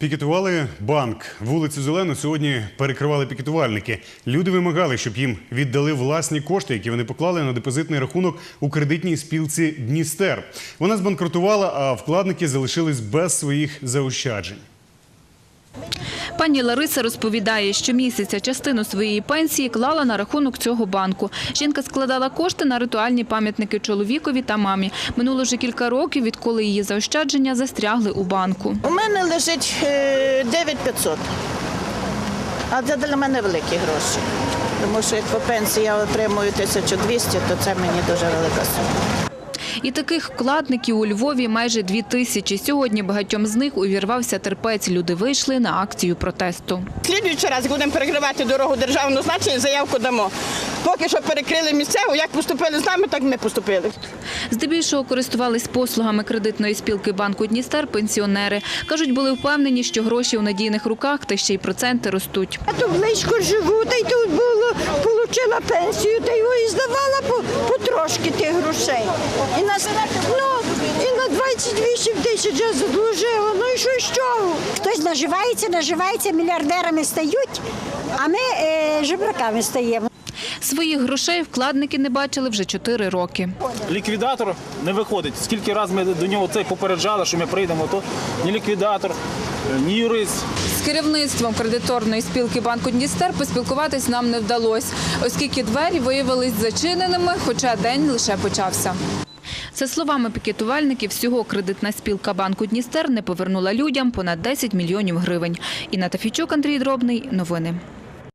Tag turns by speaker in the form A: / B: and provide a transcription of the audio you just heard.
A: Пікетували банк. Вулицю Зелену сьогодні перекривали пікетувальники. Люди вимагали, щоб їм віддали власні кошти, які вони поклали на депозитний рахунок у кредитній спілці «Дністер». Вона збанкрутувала, а вкладники залишились без своїх заощаджень.
B: Пані Лариса розповідає, що місяця частину своєї пенсії клала на рахунок цього банку. Жінка складала кошти на ритуальні пам'ятники чоловікові та мамі. Минуло вже кілька років, відколи її заощадження застрягли у банку.
C: У мене лежить 9500, а це для мене великі гроші. Тому що як по пенсії я отримую 1200, то це мені дуже велика сума.
B: І таких вкладників у Львові майже 2000. Сьогодні багатьом з них увірвався терпець. Люди вийшли на акцію протесту.
D: Слідуючий раз будемо перекривати дорогу державного значення, заявку дамо. Поки що перекрили місцеву, як поступили з нами, так ми поступили.
B: Здебільшого користувались послугами кредитної спілки банку «Дністер» пенсіонери. Кажуть, були впевнені, що гроші у надійних руках, та ще й проценти ростуть.
E: Я тут близько живу, та й тут отримала пенсію, та його і здавала потрошки тих грошей. І на 28 тисяч я задолужила, ну і що з чого?
F: Хтось наживається, мільярдерами стають, а ми жебраками стаємо.
B: Своїх грошей вкладники не бачили вже 4 роки.
G: Ліквідатор не виходить. Скільки разів ми до нього попереджали, що ми прийдемо, то ні ліквідатор, ні юрист.
B: З керівництвом кредиторної спілки банку «Дністер» поспілкуватись нам не вдалося, оскільки двері виявились зачиненими, хоча день лише почався. За словами пікетувальників, всього кредитна спілка банку «Дністер» не повернула людям понад 10 мільйонів гривень. Інна Тафійчук, Андрій Дробний. Новини.